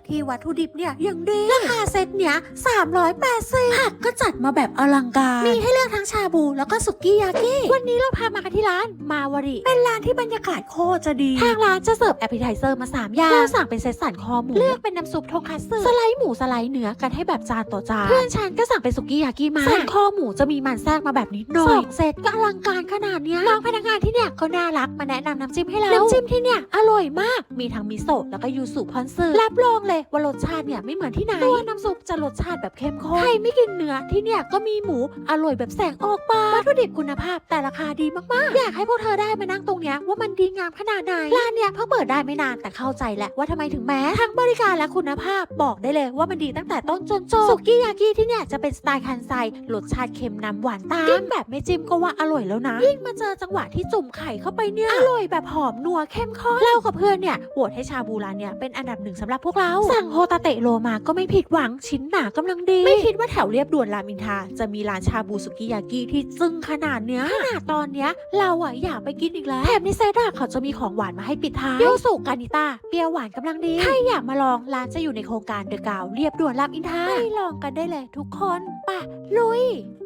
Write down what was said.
ที่วัตถุดิบเนี่ยยังดีราคาเซตเนี้ย380ผักก็จัดมาแบบอลังการมีให้เลือกทั้งชาบูแล้วก็สุกี้ยากิวันนี้เราพามากันที่ร้านมาวาริเป็นร้านที่บรรยากาศโคตรจะดีทางร้านจะเสิร์ฟแอปเปิลไทเซอร์มา3อย่างเราสั่งเป็นเซตสันคอหมูเลือกเป็นน้ำซุปทงคัตสึสไลด์หมูสไลด์เนื้อกันให้แบบจานต่อจานเพื่อนฉันก็สั่งเป็นสุกี้ยากิมาสันคอหมูจะมีมันแทรกมาแบบนิดหน่อย2เซตก็อลังการขนาดเนี้ยน้องพนักงานที่เนี่ยก็น่ารักมาแนะนำน้ำจิ้มให้เราน้ำจิ้มที่เนี่ยอร่อยมากมีทั้งมิโซะแล้วก็ยูสุพอนซึรับรองเลยว่ารสชาติเนี่ยไม่เหมือนที่ไหนตัวน้ำซุปจะรสชาติแบบเข้มข้นใครไม่กินเนื้อที่เนี่ยก็มีหมูอร่อยแบบแสงออกปากวัตถุดิบคุณภาพแต่ราคาดีมากๆอยากให้พวกเธอได้มานั่งตรงเนี้ยว่ามันดีงามขนาดไหนร้านเนี่ยเพิ่งเปิดได้ไม่นานแต่เข้าใจแหละว่าทำไมถึงแม้ทั้งบริการและคุณภาพบอกได้เลยว่ามันดีตั้งแต่ต้นจนจบสุกี้ยากิที่เนี่ยจะเป็นสไตล์คันไซรสชาติเค็มนำหวานตามกินแบบไม่จิ้มก็ว่าอร่อยแล้วนะยิ่งมาเจอจังหวะที่จุ่มไข่เข้าไปเนี่ยอร่อยแบบหอมนัวเข้มข้นเล่ากับเพื่อนเนี่ยโหวตให้ชาบูร้านเนี่ยเป็นอันดับ1สำหรับพวกเราสั่งโฮตาเตะโลมาก็ไม่ผิดหวังชิ้นหนากำลังดีไม่คิดว่าแถวเรียบด่วนรามอินทราจะมีร้านชาบูสุกี้ยากิที่จึ้งขนาดเนี้ยขนาดตอนเนี้ยเราอะอยากไปกินอีกแล้วแถมในเซตอะเขาจะมีของหวานมาให้ปิดท้ายยูสุกานิต้าเปรี้ยวหวานกำลังดีใครอยากมาลองร้านจะอยู่ในโครงการเดอะกาวเรียบด่วนรามอินทราไปลองกันได้เลยทุกคนป่ะลุย